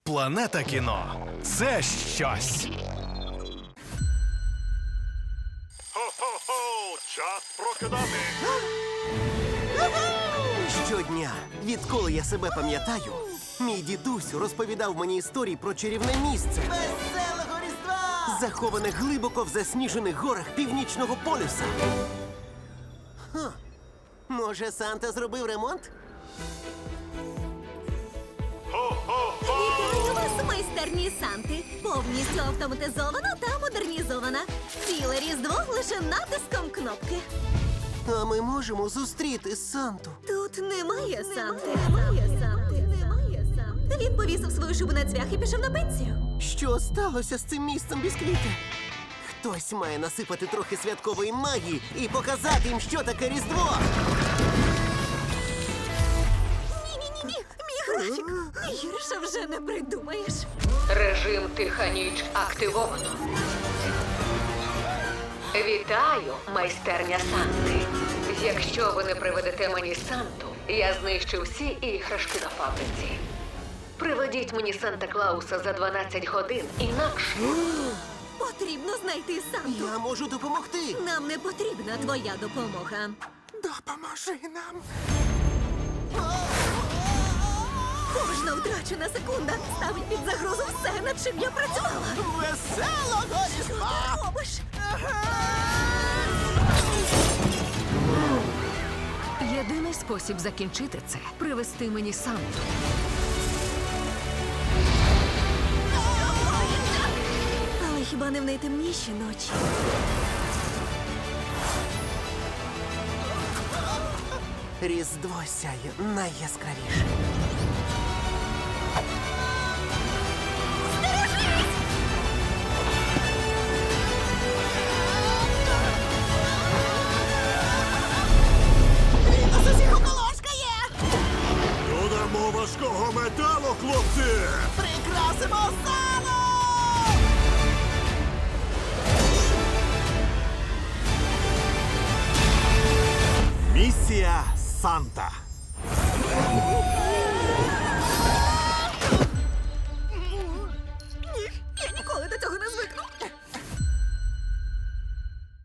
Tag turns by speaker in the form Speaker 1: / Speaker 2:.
Speaker 1: Планета кіно – це щось.
Speaker 2: Хо-хо-хо! Час прокидати!
Speaker 3: Щодня, відколи я себе пам'ятаю, мій дідусь розповідав мені історії про чарівне місце,
Speaker 4: Веселого Різдва!
Speaker 3: заховане глибоко в засніжених горах Північного полюса. Може, Санта зробив ремонт?
Speaker 5: Вітаю вас, майстерні Санти! Повністю автоматизована та модернізована. Ціле Різдво лише натиском кнопки.
Speaker 3: А ми можемо зустріти Санту.
Speaker 5: Тут немає Санти. Немає Санти. Він повісив свою шубу на цвях і пішов на пенсію.
Speaker 3: Що сталося з цим місцем бісквіти? Хтось має насипати трохи святкової магії і показати їм, що таке Різдво.
Speaker 5: Ні-ні-ні, мій графік. Гірше вже не придумаєш.
Speaker 6: Режим «Тиха ніч» активовано. Вітаю, майстерня Санти. Якщо ви не приведете мені Санту, я знищу всі іграшки на фабриці. Приведіть мені Санта-Клауса за 12 годин, інакше...
Speaker 5: Потрібно знайти Санту.
Speaker 3: Я можу допомогти.
Speaker 5: Нам не потрібна твоя допомога.
Speaker 3: Допоможи нам.
Speaker 5: Кожна втрачена секунда ставить під загрозу все, над чим я працювала.
Speaker 4: Веселого
Speaker 5: Що
Speaker 4: Різдва!
Speaker 5: ти робиш?
Speaker 6: Єдиний спосіб закінчити це – привести мені Санту.
Speaker 5: Але хіба не в найтемніші ночі?
Speaker 3: Різдво сяє найяскравіше.
Speaker 4: Він нас усіх околошкає!
Speaker 2: Додамо важкого металу, хлопці!
Speaker 4: Прикрасимо залу!
Speaker 2: Місія Санта.